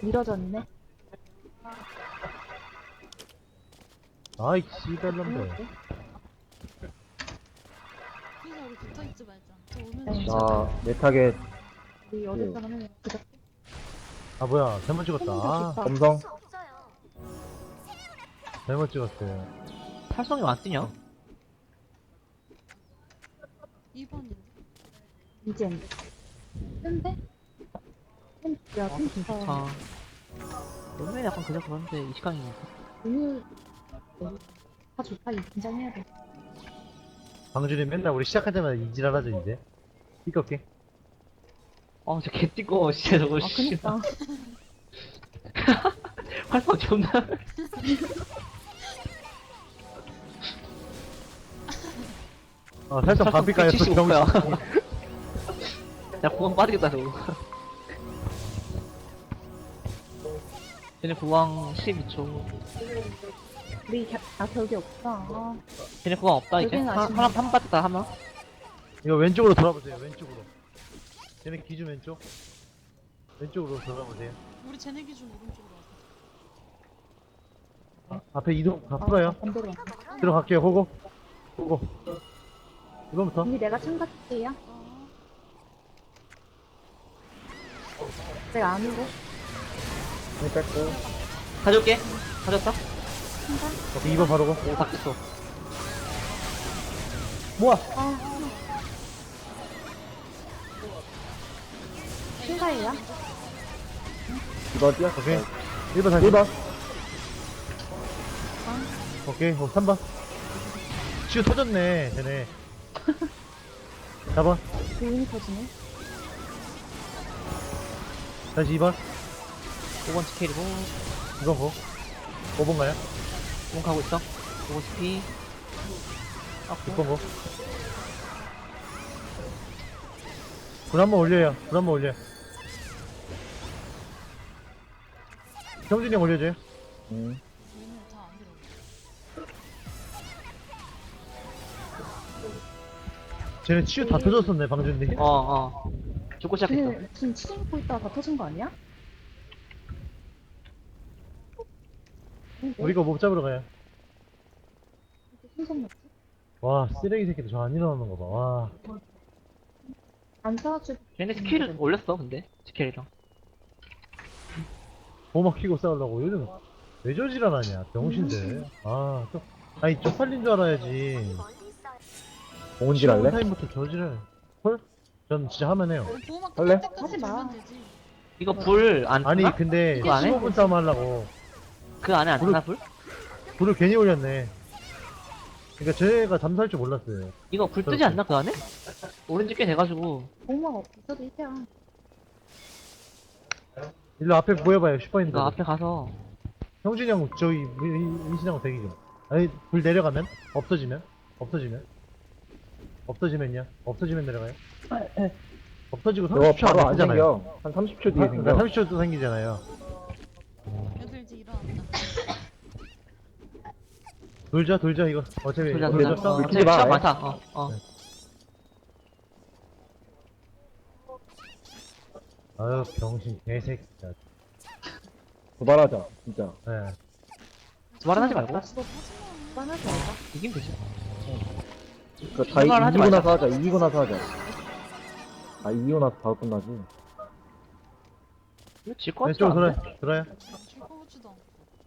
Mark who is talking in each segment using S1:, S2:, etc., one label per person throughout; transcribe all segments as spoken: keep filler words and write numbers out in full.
S1: 밀어졌네.
S2: 아이 씨발놈들.
S3: 그래서 우리 붙어있지 말자. 저 오면
S1: 네.
S3: 진짜
S4: 나, 내 타겟,
S1: 우리 어제 사람은 그저
S2: 아 뭐야 잘못 찍었다. 아
S4: 검성.
S2: 잘못 찍었어요.
S5: 탈성이 안 뜨냐?
S3: 이 번인데.
S1: 이젠. 근데? 야,
S5: 아,
S1: 좀
S5: 좀
S1: 좋다.
S5: 좋다. 너네 약간 그저 그런데 이시간이니까.
S1: 오늘 다 좋다. 이 긴장해야 돼.
S2: 방준이 맨날 우리 시작할 때마다 이지랄하죠 이제. 띠껍게.
S5: 아, 저 개띠꺼, 진짜 저거,
S1: 아,
S5: 씨.
S1: 그니까.
S5: 활성 존나.
S2: 아 살짝 반피가요.
S5: 칠십오 야. 야, 구강 빠지겠다, 저거. 쟤네 구강 십이 초.
S1: 우리 겨, 아, 격이 없다. 아,
S5: 쟤네 구강 없다, 이제.
S1: 여기는
S5: 하,
S1: 아쉽네.
S5: 하나, 한 빠졌다, 하나.
S2: 이거 왼쪽으로 돌아보세요. 왼쪽으로. 쟤네 기준 왼쪽. 왼쪽으로 돌아보세요.
S3: 우리 쟤네 기준 오른쪽으로 와서.
S2: 앞에 이동 다
S1: 아,
S2: 풀어요.
S1: 반대로 왔네.
S2: 들어갈게요. 호고. 호고. 이번부터.
S1: 언니 내가 참가할게요.
S3: 어.
S1: 제가 아니고.
S4: 네, 뺐고.
S5: 가져올게. 가졌다.
S2: 오케이, 이번 바로고.
S5: 오, 바뀌었어.
S2: 모아.
S1: 아, 신사예요?
S4: 이거 뛰어.
S2: 오케이. 일 번 다시.
S4: 일 번.
S2: 오케이. 어, 삼 번. 치유 터졌네. 쟤네. 사 번.
S1: 조인이 터지네.
S2: 다시 이 번.
S5: 오 번 스케일이고.
S2: 이 번 고. 오 번 가요.
S5: 오 번 가고 있어. 오 번 스피.
S2: 육 번 고. 불 한 번 올려요. 불 한 번 올려요. 경준이 형 올려줘요.
S4: 음.
S3: 얘네 다안 들어.
S2: 쟤네 치유 다 터졌었네, 방준님.
S5: 어, 어. 죽고 시작했어.
S1: 쟤 지금 치즈 먹고 있다가 다 터진 거 아니야? 근데
S2: 우리가 못 잡으러 가요.
S1: 이렇게 신선 먹지?
S2: 와, 쓰레기 새끼들 저 안 일어나는 거 봐. 와.
S1: 안 싸워줄.
S5: 얘네 스킬을 올렸어, 근데. 스킬이랑.
S2: 보막 키고 싸우려고. 요즘 왜 저지랄하냐, 병신들. 아, 또, 아니, 쪽팔린 줄 알아야지.
S4: 공은질 할래?
S2: 타임부터 저지랄. 헐? 전 진짜 하면 해요.
S3: 보호막
S4: 할래?
S3: 끝날 때까지
S1: 하지 마.
S3: 돌면 되지.
S5: 이거 불 안
S2: 아니,
S5: 뜨나?
S2: 근데
S5: 그거 안 해?
S2: 십오 분 싸움 하려고.
S5: 그 안에 안 뜨나, 불?
S2: 불을 괜히 올렸네. 그니까 쟤가 잠수할 줄 몰랐어요.
S5: 이거 불 뜨지 않나, 그 안에? 오렌지 꽤 돼가지고.
S1: 보호막 없어도 이제야.
S2: 일로 앞에 모여봐요, 슈퍼인들.
S5: 이거 앞에 가서.
S2: 형준이 형, 저기, 민신하고 대기 좀. 아니, 불 내려가면? 없어지면? 없어지면? 없어지면요? 없어지면 내려가요? 없어지고
S4: 이거
S2: 삼십 초
S4: 바로
S2: 안
S4: 안
S2: 되잖아요.
S4: 생겨. 한 삼십 초 뒤에
S2: 아,
S4: 생겨.
S2: 삼십 초도 생기잖아요.
S3: 애들 이제 일어났다.
S2: 돌자, 돌자, 이거. 어차피,
S5: 돌자,
S2: 우리
S5: 돌자.
S2: 저 싸움
S5: 어,
S4: 미치지
S5: 어차피
S4: 마,
S5: 시간
S4: 아예.
S5: 많다. 어, 어.
S2: 네. 아유, 병신, 개새끼, 진짜.
S4: 도발하자, 진짜.
S2: 네.
S5: 말은 하지 말고.
S3: 하지마.
S1: 뻔하지 말자.
S5: 이기면 되지.
S4: 그니까 다
S5: 도발을 하지
S4: 이기고
S5: 말자.
S4: 나서 하자, 이기고 나서 하자. 아, 이기고 나서 바로 끝나지.
S5: 이거 질것 같지
S2: 왼쪽으로
S5: 않은데?
S2: 돌아요, 돌아요.
S3: 줄거 같지도 않고.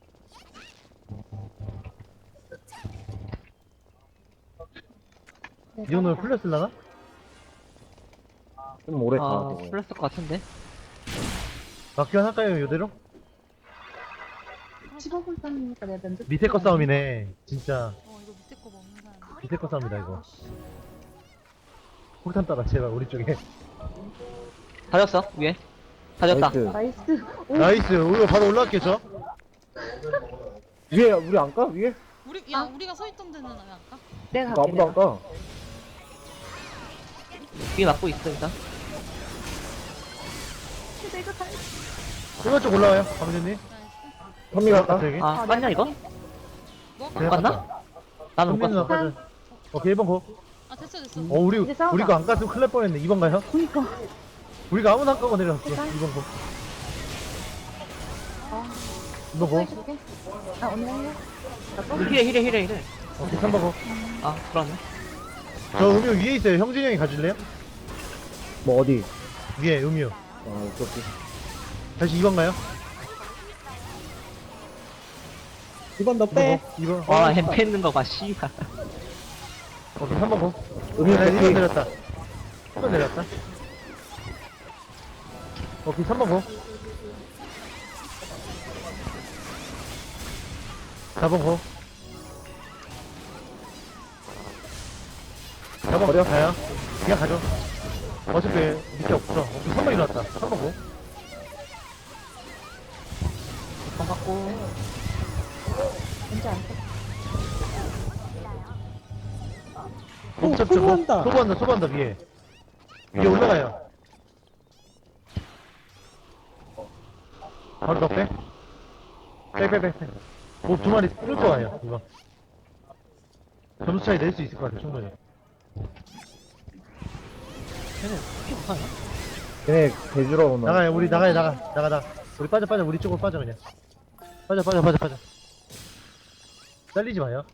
S1: 네,
S2: 이 정도면
S1: 따라가.
S2: 풀려 쓸라나?
S4: 좀 오래 가,
S5: 아,
S4: 저거.
S5: 풀렸을 것 같은데?
S2: 막기만 할까요, 요대로?
S1: 십오 분 싸움이니까 내가 면접.
S2: 밑에 거 싸움이네. 진짜.
S3: 어 이거 밑에 거 먹는 사람.
S2: 밑에 거 싸움이다, 이거.
S3: 씨.
S2: 폭탄 따라, 제발, 우리 쪽에.
S5: 다졌어, 위에. 다졌다.
S4: 나이스.
S1: 나이스. 오,
S2: 나이스, 우리가 바로 올라갈게, 저.
S4: 위에, 우리 안 가? 위에?
S3: 우리 야 우리가 서 있던 데는 왜 안 가?
S1: 내가
S4: 이거
S1: 갈게.
S4: 아무도 안
S1: 내가.
S4: 가.
S5: 위에 막고 있어, 일단.
S1: 내가 갈.
S2: 일번 쪽 올라와요, 강준님.
S3: 나이스.
S4: 선미 갈까?
S2: 여기.
S5: 아,
S1: 아,
S5: 맞냐, 이거?
S3: 뭐?
S2: 그래,
S5: 갔나?
S2: 갔다.
S5: 나는 못
S2: 선민은
S5: 갔어.
S2: 아까 전. 오케이, 일 번 고.
S3: 아 됐어 됐어.
S2: 어, 우리,
S1: 이제 싸우자.
S2: 우리가 안 갔으면 큰일 날 뻔했네. 이 번 가요?
S1: 그니까.
S2: 우리가 아무나 안 까고 내려갔어.
S1: 일단.
S2: 이 번 고. 이번 고.
S1: 해줄게. 아, 언니 할래? 나 또?
S5: 힐해 힐해 힐해 힐해.
S2: 오케이, 삼 번 고.
S5: 아 들어왔네.
S2: 저 음료 위에 있어요. 형진이 형이 가질래요?
S4: 뭐 어디?
S2: 위에 음료.
S4: 어, 그렇게.
S2: 다시 이 번 가요.
S6: 이번 너 빼.
S2: 이 번.
S5: 와 햄패 있는 거 봐 씨발.
S2: 오케이, 삼 번 고.
S4: 음료
S2: 네, 일 번
S4: 오케이.
S2: 내렸다. 일 번 내렸다. 오케이, 삼 번 고. 사 번 고. 사 번
S4: 버려.
S2: 가요. 그냥 가죠. 어차피 밑에 없어. 오케이, 삼 번 일어났다. 삼 번 고.
S5: 번 갖고.
S1: 언제 안 돼?
S6: 오,
S2: 옵잡
S6: 소부한다.
S2: 소부한다, 소부한다, 위에. 위에 올라가요. 바로 더 빼. 빼, 빼, 빼, 빼. 뭐 두 마리 뚫을 거예요, 이거. 점수 차이 낼 수 있을 것 같아, 충분히.
S5: 쟤는 피 못하냐?
S4: 걔네 개주러 오나?
S2: 나가요, 우리 나가요, 나가. 나가, 나가. 우리 빠져, 빠져, 우리 쪽으로 빠져, 그냥. 빠져, 빠져, 빠져, 빠져. 잘리지 마요.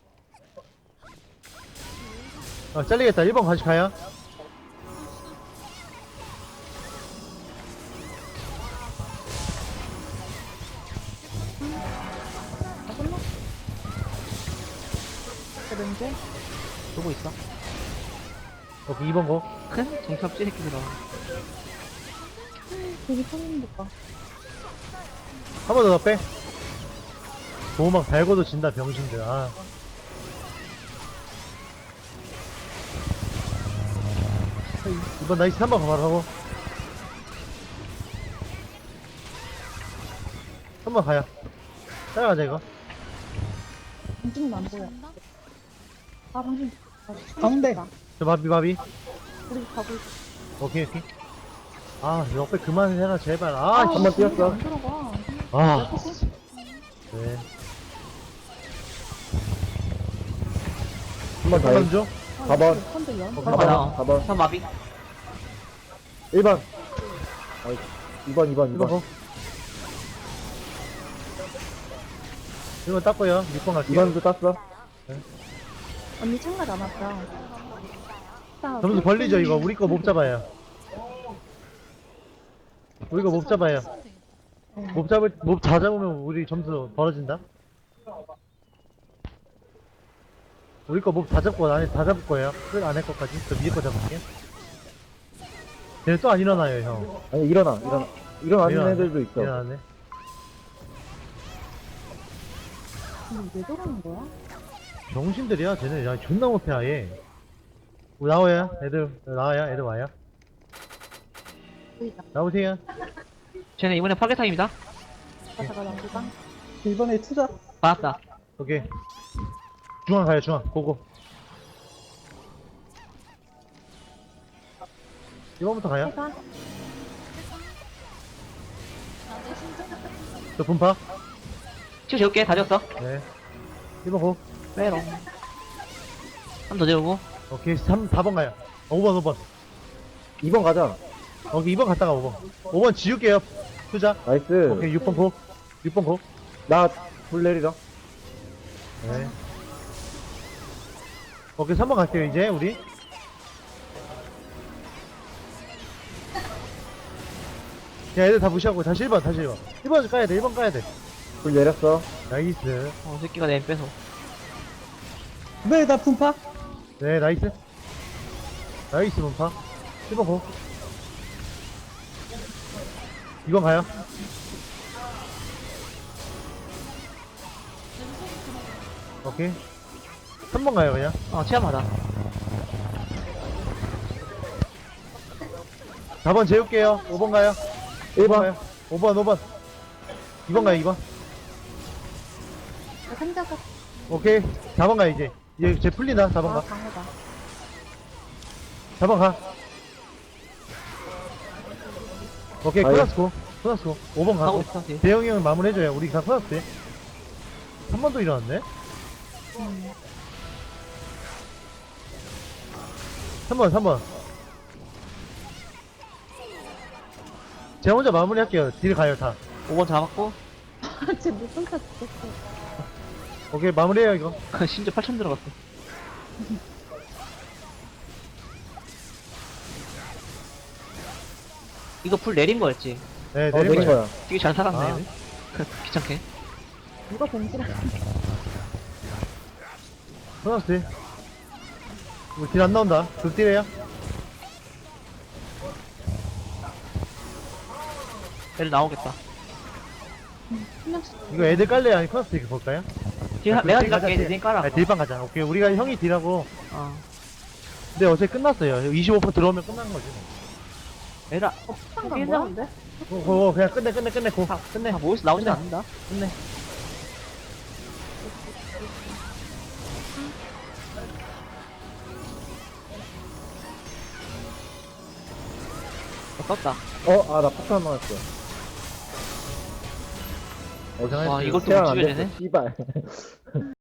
S2: 아, 잘리겠다. 일 번 같이 가요.
S1: 다 끝나? 그런데?
S5: 보고 있어.
S2: 오케이, 이 번 고.
S5: 큰 정신없지 새끼들아.
S1: 되게 편한데 봐.
S2: 한 번 더 빼. 보호막 달고도 진다, 병신들. 아. 이번 나이스 한 번 바로 하고. 한 번 가요. 따라가자, 이거.
S1: 방진이 안 보여.
S3: 간다?
S1: 아, 방진.
S6: 가운데.
S2: 저 바비, 바비.
S1: 우리 가고 있어.
S2: 오케이, 오케이. 아, 옆에 그만해라, 제발. 아,
S4: 한 번 뛰었어.
S1: 안 들어가.
S2: 아. 네.
S4: 한 번 더 해.
S2: 한번 줘?
S4: 사 번.
S1: 한대 연.
S2: 어,
S4: 사
S5: 번
S4: 번.
S5: 나와.
S4: 사 번.
S5: 삼 마비.
S4: 일 번. 아이, 이 번, 이 번, 이
S2: 이번
S4: 번.
S2: 고. 이번 땄고요. 육 번
S4: 이
S2: 갈게요.
S4: 번도 땄어.
S1: 언니 참가 남았다. 자,
S2: 점수 벌리죠, 이거. 우리 거 못 잡아요. 우리 거 못 잡아요.
S3: 쓰면 되겠다.
S2: 못 잡을, 못 다 잡으면 우리 점수 벌어진다? 우리 거 못 다 잡고 안에 다 잡을 거예요. 끝 안에 거까지. 저 위에 거 잡을게요. 쟤는 또 안 일어나요, 형.
S4: 아니, 일어나, 일어나. 일어나는
S2: 일어나네.
S4: 애들도 있어.
S2: 일어났네.
S1: 근데 왜 저러는 거야?
S2: 병신들이야, 쟤네. 야, 존나 못해, 아예. 뭐 나와요, 애들. 나와요, 애들 와요.
S1: 보이다.
S2: 나오세요.
S5: 쟤네 이번에 파괴 타임이다.
S1: 가다가 남기가.
S6: 이번에 투자.
S5: 받았다.
S2: 오케이. 중앙 가요, 중앙. 고고. 이번부터 가요.
S1: 해가.
S3: 나도 신청.
S2: 저 분파.
S5: 치우 재울게. 다 졌어.
S2: 네. 이번 고.
S5: 빼롱. 한 번 더 재우고.
S2: 오케이. 삼, 사 번 가요. 어, 오 번, 오 번.
S4: 이 번 가자.
S2: 오케이, 이 번 갔다가 오 번. 오 번 지울게요. 투자.
S4: 나이스.
S2: 오케이, 육 번 고. 육 번 고.
S4: 나, 불 내리라.
S2: 네. 오케이, 삼 번 갈게요, 이제, 우리. 야, 애들 다 무시하고 다시 일 번, 다시 일 번. 일 번 까야 돼, 일 번 까야 돼.
S4: 불 내렸어.
S2: 나이스.
S5: 어 새끼가 내 뺏어.
S6: 왜 나 분파?
S2: 네, 나이스. 나이스, 문파. 일 번 고. 이 번 가요. 오케이. 삼 번 가요, 그냥.
S5: 어 체험하다.
S2: 사 번 재울게요. 오 번 가요.
S4: 일 번.
S2: 가요. 오 번, 오 번. 이 번 가요, 이 번.
S1: 나 상자가.
S2: 오케이. 사 번 가요, 이제. 이제 쟤 풀린다, 사 번
S1: 아,
S2: 가.
S1: 강하다.
S2: 사 번 가. 오케이,
S4: 아유.
S2: 코나스코. 코나스코. 오 번
S5: 하고
S2: 가고.
S5: 있어 뒤에.
S2: 대형이 형 마무리해줘요. 우리 다 코나스 돼. 한 번 더 일어났네?
S1: 음.
S2: 삼 번, 삼 번. 제가 혼자 마무리할게요. 딜 가요, 다.
S5: 오 번 잡았고.
S1: 아, 쟤 무슨 타 죽겠어.
S2: 오케이, 마무리해요, 이거.
S5: 심지어 팔천 들어갔어. 이거 풀 내린 거였지?
S2: 네,
S4: 어,
S2: 내린
S4: 내린
S2: 거예요.
S4: 거야.
S5: 되게 잘 살았네.
S2: 아.
S5: 귀찮게.
S1: 누가 봉지를
S2: 끊었지. 우리 딜안 나온다. 극딜해요.
S5: 애들 나오겠다.
S1: 한 명씩.
S2: 이거 애들 깔래요? 아니, 커너스 이렇게 볼까요?
S5: 딜,
S2: 아,
S5: 내가
S2: 딜
S5: 딜
S2: 가자,
S5: 할게.
S2: 딜.
S5: 딜 깔아.
S2: 아, 딜방 가자. 오케이, 우리가 형이 딜하고.
S5: 어.
S2: 근데 어차피 끝났어요. 이십오 퍼센트 들어오면 끝난 거지. 뭐.
S5: 에라.
S1: 어, 폭탄 간 거야?
S5: 괜찮은데?
S2: 고, 고, 그냥 끝내, 끝내, 끝내, 고. 끝내.
S5: 아, 모여서 나오진
S2: 끝내.
S5: 않는다.
S2: 끝내.
S5: 어, 떴다.
S4: 어, 아, 나 폭탄 맞았어. 어,
S2: 고생하셨어요.
S5: 와, 이것도
S4: 태양
S5: 못
S4: 안
S5: 죽여야 되네?
S4: 됐어, 씨발.